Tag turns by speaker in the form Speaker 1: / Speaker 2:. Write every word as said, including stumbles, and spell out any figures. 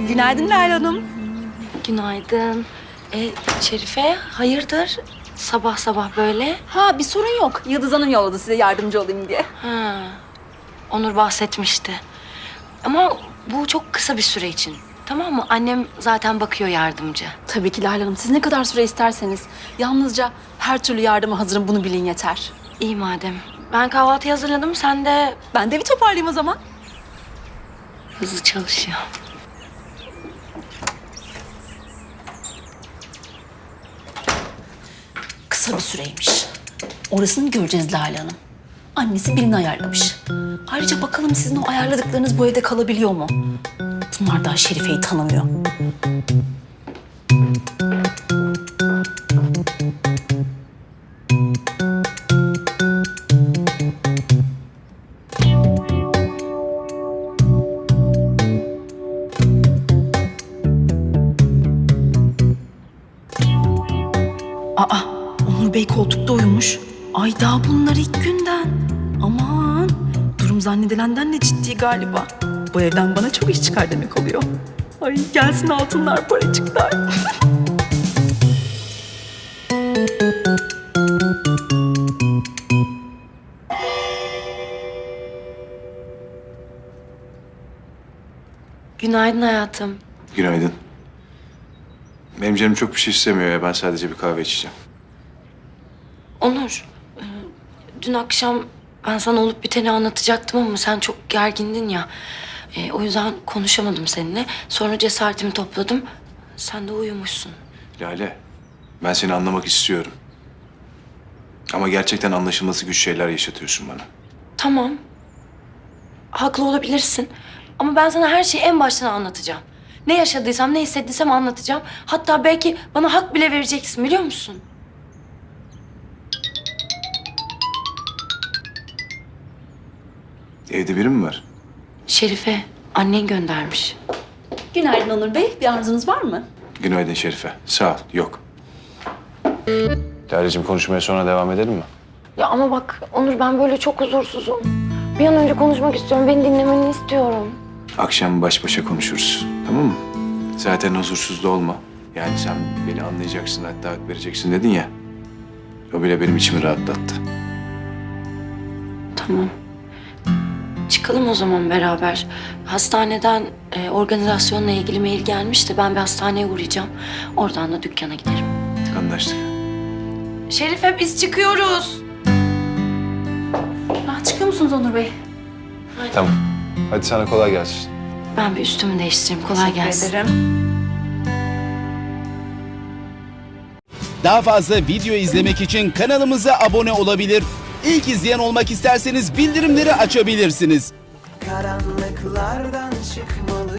Speaker 1: Günaydın Leyla Hanım.
Speaker 2: Günaydın. E, Şerife, hayırdır? Sabah sabah böyle.
Speaker 1: Ha bir sorun yok. Yıldız Hanım yolladı size yardımcı olayım diye.
Speaker 2: Ha, Onur bahsetmişti. Ama bu çok kısa bir süre için. Tamam mı? Annem zaten bakıyor yardımcı.
Speaker 1: Tabii ki Leyla Hanım. Siz ne kadar süre isterseniz. Yalnızca her türlü yardıma hazırım. Bunu bilin yeter.
Speaker 2: İyi madem. Ben kahvaltı hazırladım. Sen de
Speaker 1: Ben de bir toparlayayım o zaman.
Speaker 2: hızlı çalışıyor.
Speaker 1: Kısa bir süreymiş. Orasını göreceğiz Leyla Hanım. Annesi birini ayarlamış. Ayrıca bakalım sizin o ayarladıklarınız bu evde kalabiliyor mu? Bunlar daha Şerife'yi tanımıyor. Aa, Onur Bey koltukta uyumuş. Ay daha bunlar ilk günden. Aman, durum zannedilenden de ciddi galiba. Bu evden bana çok iş çıkar demek oluyor. Ay gelsin altınlar, paracıklar.
Speaker 2: Günaydın hayatım.
Speaker 3: Günaydın. Benim canım çok bir şey istemiyor ya. Ben sadece bir kahve içeceğim.
Speaker 2: Onur, e, dün akşam ben sana olup biteni anlatacaktım ama sen çok gergindin ya. E, o yüzden konuşamadım seninle. Sonra cesaretimi topladım. Sen de uyumuşsun.
Speaker 3: Lale, ben seni anlamak istiyorum. Ama gerçekten anlaşılması güç şeyler yaşatıyorsun bana.
Speaker 2: Tamam. Haklı olabilirsin. Ama ben sana her şeyi en baştan anlatacağım. Ne yaşadıysam, ne hissettiysem anlatacağım. Hatta belki bana hak bile vereceksin, biliyor musun?
Speaker 3: Evde biri mi var?
Speaker 2: Şerife, annen göndermiş.
Speaker 1: Günaydın Onur Bey. Bir arzunuz var mı?
Speaker 3: Günaydın Şerife. Sağ ol. Yok. Lale'cim konuşmaya sonra devam edelim mi?
Speaker 2: Ya ama bak Onur, ben böyle çok huzursuzum. Bir an önce konuşmak istiyorum. Beni dinlemeni istiyorum.
Speaker 3: Akşam baş başa konuşuruz. Tamam mı? Zaten huzursuz da olma. Yani sen beni anlayacaksın, hatta hak vereceksin dedin ya. O bile benim içimi rahatlattı.
Speaker 2: Tamam. Çıkalım o zaman beraber. Hastaneden e, organizasyonla ilgili mail gelmişti. Ben bir hastaneye uğrayacağım. Oradan da dükkana giderim.
Speaker 3: Anlaştık.
Speaker 2: Şerife, biz çıkıyoruz.
Speaker 1: Ha, çıkıyor musunuz Onur Bey?
Speaker 3: Tamam. Hadi sana kolay gelsin.
Speaker 2: Ben bir üstümü değiştireyim. Kolay gelsin.
Speaker 1: Teşekkür ederim.
Speaker 4: Daha fazla video izlemek için kanalımıza abone olabilir. İlk izleyen olmak isterseniz bildirimleri açabilirsiniz.
Speaker 5: Karanlıklardan çıkmalı.